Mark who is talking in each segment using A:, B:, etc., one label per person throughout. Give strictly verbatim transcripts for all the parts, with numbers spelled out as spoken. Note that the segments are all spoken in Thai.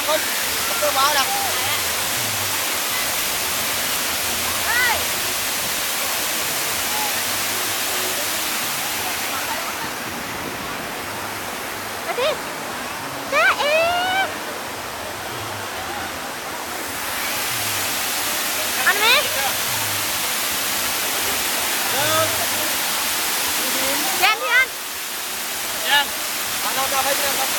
A: คนตัวเบาดัง
B: มาดิจ้าเอ๋อันนี้แย่งที่อัน
A: ยังมาเราจะไปเรื่องครับ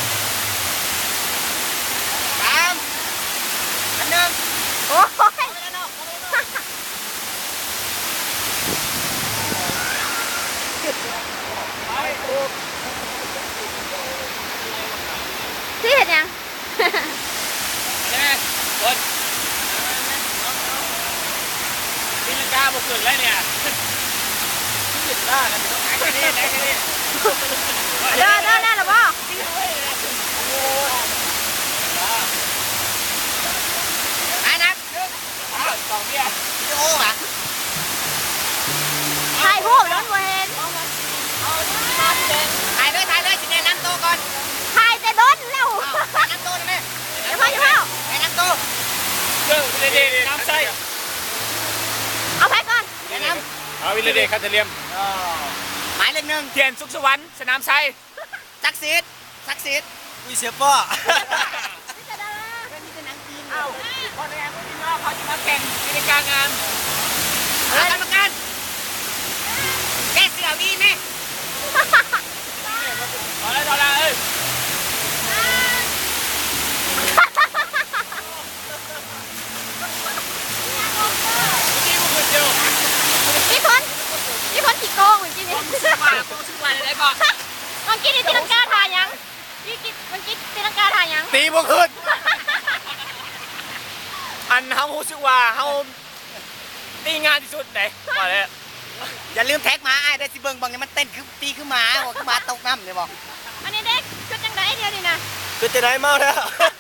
A: สามอันหนึ่ง
B: โอ้ยที่เห็นยัง
A: ใช่ไหมคนตีลังกาบุกขึ้นเลยเนี่ยขึ้นได้แล้วไหนกันนี่ไหนกันนี่
B: เดินเดินได้หรือเปล่าอันนัก
A: สองเบี้ยพี่โอ้อะ
B: ถ่ายรูปแล้วเห็น
A: ถ่ายเลยถ่ายเลยสิแนะนำตัวก่อน
B: ถ่ายแต่โดนเร็ว
A: แนะนำตัวได้ไหม
B: เดี๋ยวพ่อเดี๋ยวพ่อ
A: แนะนำตัวเรื่องวิลเดย์น้ำใส
B: เอาไปก่อน
A: แนะนำ
C: เอาวิลเดย์คาเทเลียม
A: หมายเลขหนึ่ง
C: เทียนสุขสวรรค์สนามชัย
A: ซักซีดซักซีดวิเชียป้อ
C: เอ้าคนแรกพี่น้องเขาจะมาแข่งกิจการงาน
A: กรรมการแกเสือวีไหม
C: พอแล้วพอแล้วเอ้ย
A: ที่มึงคนเดียว
B: นี่คนนี่คนขี้โกงเหมือนกี้นี่
A: มาโค้ชมาเลยก่อน
B: มันกี้นี่ตีลังกาถ่ายยังนี่กี้มันกี้ตีลังกาถ่ายยัง
C: ตีบวกขึ้นอันเฮารู้สึกว่าเฮาตีงานที่สุดไหนมาเลย
A: อย่าลืมแท็กมาไอ้ได้สิเบิ้งบังเนี่ยมันเต้นคือตีคือหมาบอกคือหมาตกน้ำเลยบอก
B: อันนี้เด็กชุดจังไดเดียวนี่นะ
C: คือจะได้เมาแล้ว